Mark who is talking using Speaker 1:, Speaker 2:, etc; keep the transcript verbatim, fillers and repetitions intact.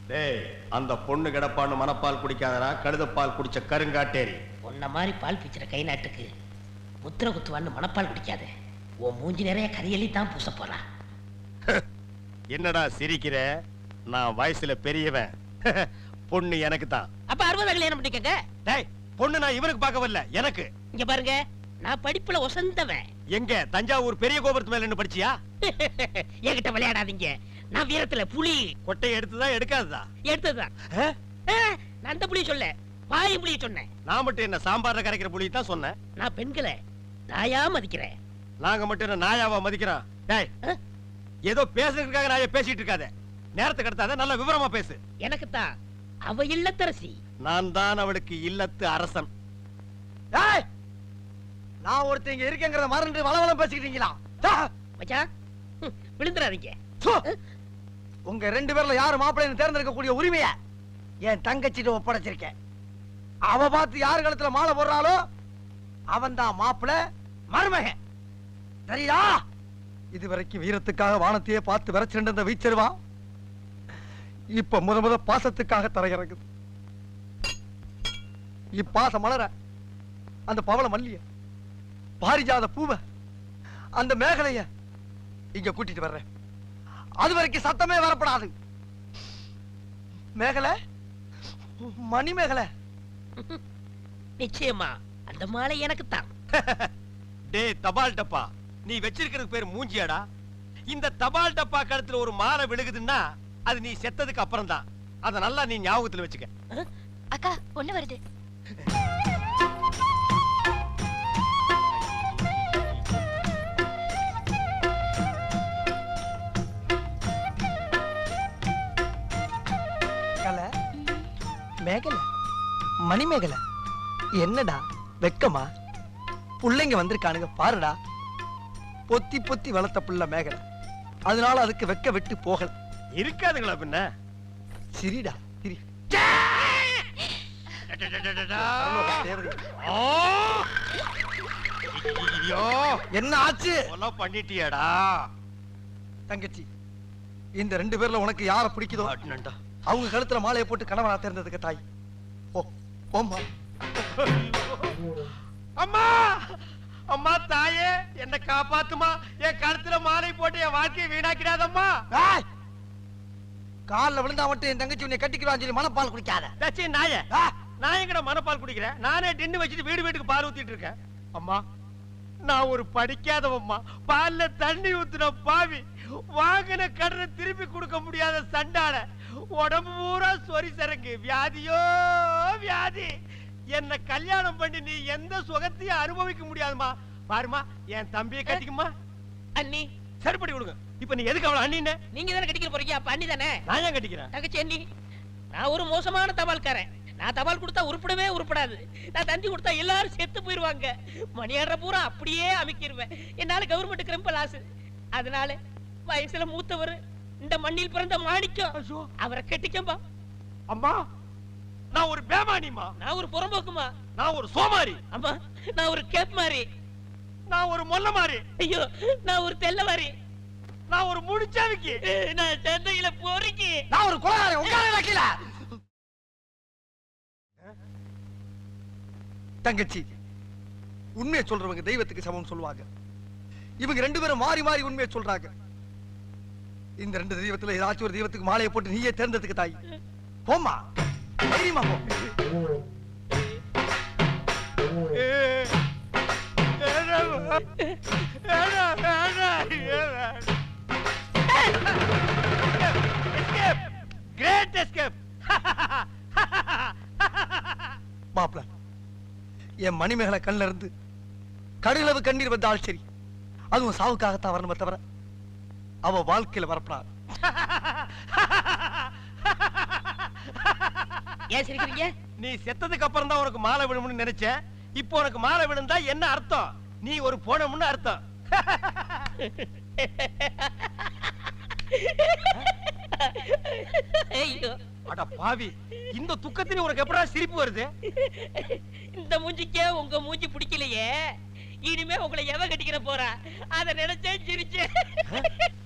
Speaker 1: டேய், அந்த பொண்ணு கிடப்பான்னு மனப்பால் குடிக்காதடா, கழுதப்பால் குடிச்ச கருங்காட்டேரி.
Speaker 2: உன்ன மாதிரி பால் பிச்சுற கை நாட்டுக்கு முத்திர குத்துவான்னு மனப்பால் குடிக்காத. உன் மூஞ்சி நிறைய கரியலி தான் பூச போறா.
Speaker 1: என்னடா சிரிக்கிற? நான் வயசுல பெரியவன். பொண்ணு எனக்கு தான்.
Speaker 2: அப்ப அறுபது கல்யாணம் பண்ணிக்கங்க.
Speaker 1: டேய், பொண்ணு நான் இவனுக்கு பார்க்க வரல, எனக்கு.
Speaker 2: இங்க பாருங்க, நான் படிப்புல ஒசந்தவன்.
Speaker 1: எங்க தஞ்சாவூர் பெரிய கோபுரத்து மேல நின்னு படிச்சியா?
Speaker 2: என்கிட்ட விளையாடாதீங்க. நான் வீரத்துல புலி.
Speaker 1: கொட்டையை எடுத்துதான் எடுக்காததா?
Speaker 2: எடுத்ததுதான். நான் அந்த புலியை சொல்ல, பாய் புலியை சொன்னேன்.
Speaker 1: நான் மட்டும் என்ன சாம்பார்ல கரைக்கிற புலியை தான் சொன்னேன்.
Speaker 2: நான் பெண்களை நாயா மதிக்கிறேன்.
Speaker 1: நாங்க மட்டும் என்ன நாயாவா மதிக்கிறோம்? டேய், ஏதோ பேசுறதுக்காக நாய பேசிட்டு இருக்காத. நேரத்துக்கு கடத்தாத, நல்ல விவரமா பேசு.
Speaker 2: எனக்கு தான் அவ இல்லத்தரசி.
Speaker 1: நான் தான் அவளுக்கு இல்லத்து அரசன்.
Speaker 3: டேய், நான் ஒருத்தங்க இருக்கேங்கறத மறந்து வளவளம் பேசிக்கிட்டீங்களா?
Speaker 2: மச்சான், விழுந்துறாதீங்க.
Speaker 3: உங்க ரெண்டு பேர்ல யாரு மாப்பிள்ளைன்னு தேர்ந்தெடுக்க கூடிய உரிமையை என் தங்கச்சிட்ட ஒப்படைச்சிருக்கேன். அவ பார்த்து யாரு கழுத்துல மாலை போடுறாளோ அவன் தான் மாப்பிள்ளை, மருமகன். சரியா? இதுவரைக்கும் வீரத்துக்காக வானத்தையே பார்த்து விரைச்சிருந்த வீச்சருவா இப்ப முத முத பாசத்துக்காக தரையிறங்குது. இப்பாச மலர அந்த பவள மல்லிய, பாரிஜாத பூவ, அந்த மேகலைய இங்க கூட்டிட்டு வர்றேன். அது வரைக்கும் சத்தமே வரப்படாது. மேகலை, மணி மேகலை.
Speaker 2: நிச்சயமா அந்த மாலை எனக்கு தான்.
Speaker 1: டேய் தபால் டப்பா, நீ வச்சிருக்கிறது பேர் மூஞ்சியாடா? இந்த தபால் டப்பா கழுத்துல ஒரு மாலை விழுகுதுன்னா அது நீ செத்ததுக்கு அப்புறம் தான். அத நல்லா நீ ஞாபகத்துல வச்சுக்க.
Speaker 4: அக்கா, பொண்ணு வருது.
Speaker 3: மேகலை, மணி மேகலை, என்னடா வெக்கமா? புள்ளைங்க வந்திருக்கானுங்க பாருடா. பொத்தி பொத்தி வளர்த்த புள்ள மேகலை, அதனால அதுக்கு வெக்க விட்டு போகல.
Speaker 1: இருக்காதுங்களா பின்ன?
Speaker 3: சிரிடா சிரி. என்ன ஆச்சு?
Speaker 1: பண்ணிட்டியாடா
Speaker 3: தங்கச்சி? இந்த ரெண்டு பேர்ல உனக்கு யார பிடிக்குதோ அவங்க கழுத்துல மாலையை போட்டு கணவனா தேர்ந்ததுக்கு தாய். ஓ ஓம்மா.
Speaker 1: அம்மா, அம்மா தாயே, என்ன காப்பாத்துமா. என் கழுத்துல மாலை போட்டு என் வாழ்க்கையை வீணாக்கிடாதம்மா.
Speaker 3: காலில் விழுந்தா மட்டும் என் தங்கச்சி உன்னை கட்டிக்கிறான்னு சொல்லி மனப்பால் குடிக்காத.
Speaker 1: தச்சி நாயே, நான் எங்கட மனப்பால் குடிக்கிறேன்? நானே டின்னு வச்சுட்டு வீடு வீட்டுக்கு பால் ஊத்திட்டு இருக்கேன். அம்மா, நான் ஒரு படிக்காதவம்மா. பால்ல தண்ணி ஊத்துன பாவி, வாங்கின கடனை திருப்பி கொடுக்க முடியாத சண்டால, உடம்பு பூரா சொரி சரக்கு, வியாதியோ வியாதி. என்ன கல்யாணம் பண்ணி நீ எந்த சுகத்தையும் அனுபவிக்க முடியாதுமா. பாருமா, என் தம்பியை கட்டிக்குமா.
Speaker 2: அண்ணி
Speaker 1: சரிப்படி கொடுங்க. இப்ப நீ எதுக்கு அவளை அண்ணி?
Speaker 2: நீங்க தானே கட்டிக்க போறீங்க, அப்ப அண்ணி தானே.
Speaker 1: நான் ஏன் கட்டிக்கிறேன்?
Speaker 2: தங்கச்சி அண்ணி. நான் ஒரு மோசமான தபால்காரன். நான் தபால் கொடுத்தா உருப்படவே உருப்படாது. நான் தந்தி கொடுத்தா எல்லாரும் செத்து போயிருவாங்க. மணியாடுற பூரா அப்படியே அமைக்கிருவேன். என்னால கவர்மெண்ட் கிரம்ப லாஸ். அதனால வயசுல மூத்தவர், இந்த மண்ணில் பிறந்த மாணிக்கம், அவரை கட்டிக்கம்பா.
Speaker 1: அம்மா, நான் ஒரு பேமானிமா.
Speaker 2: நான் ஒரு புறம்போக்குமா.
Speaker 1: நான் ஒரு சோமாரி.
Speaker 2: அம்மா, நான் ஒரு கேப் மாறி.
Speaker 1: நான் ஒரு மொல்ல மாறி.
Speaker 2: ஐயோ, நான் ஒரு தெல்ல மாறி.
Speaker 1: நான் ஒரு முடிச்சாவிக்கு.
Speaker 2: நான் சென்னையில போறீங்க.
Speaker 3: நான் ஒரு கொலைகாரன். உட்கார கீழ. தங்கச்சி, உண்மையை சொல்றவங்க தெய்வத்துக்கு சமம் சொல்லுவாங்க. இவங்க ரெண்டு பேரும் மாறி மாறி உண்மையை சொல்றாங்க. இந்த ரெண்டு தெய்வத்துல ஏதாச்சும் ஒரு தெய்வத்துக்கு மாலையை போட்டு நீயே தேர்ந்ததுக்கு தாய். போமா, தைரியமா போ.
Speaker 1: Great escape.
Speaker 3: மாப்ள, என் மணிமேகலை கண்ணில இருந்து கடலவு கண்ணீர் வந்தால் சரி, அதுவும் சாவுக்காகத்தான் வரணுமே தவிர அவ வாழ்க்கையில வரப்படாது.
Speaker 2: ஏன் சிரிக்கிறீங்க?
Speaker 1: நீ செத்ததுக்கு அப்புறம் தான் உனக்கு மாலை விழும்னு நினைச்சேன். இப்போ உனக்கு மாலை விழுந்தா என்ன அர்த்தம்? நீ ஒரு போனமுன்னு அர்த்தம்.
Speaker 2: ஐயோ,
Speaker 1: அட பாவி, இந்த துக்கத்திலே உனக்கு எப்படா சிரிப்பு வருது?
Speaker 2: இந்த மூஞ்சிக்கே உங்க மூஞ்சி பிடிக்கலையே, இனிமே உங்களை எவ கட்டிக்கிற போறா, அத நினைச்சேன் சிரிச்சேன்.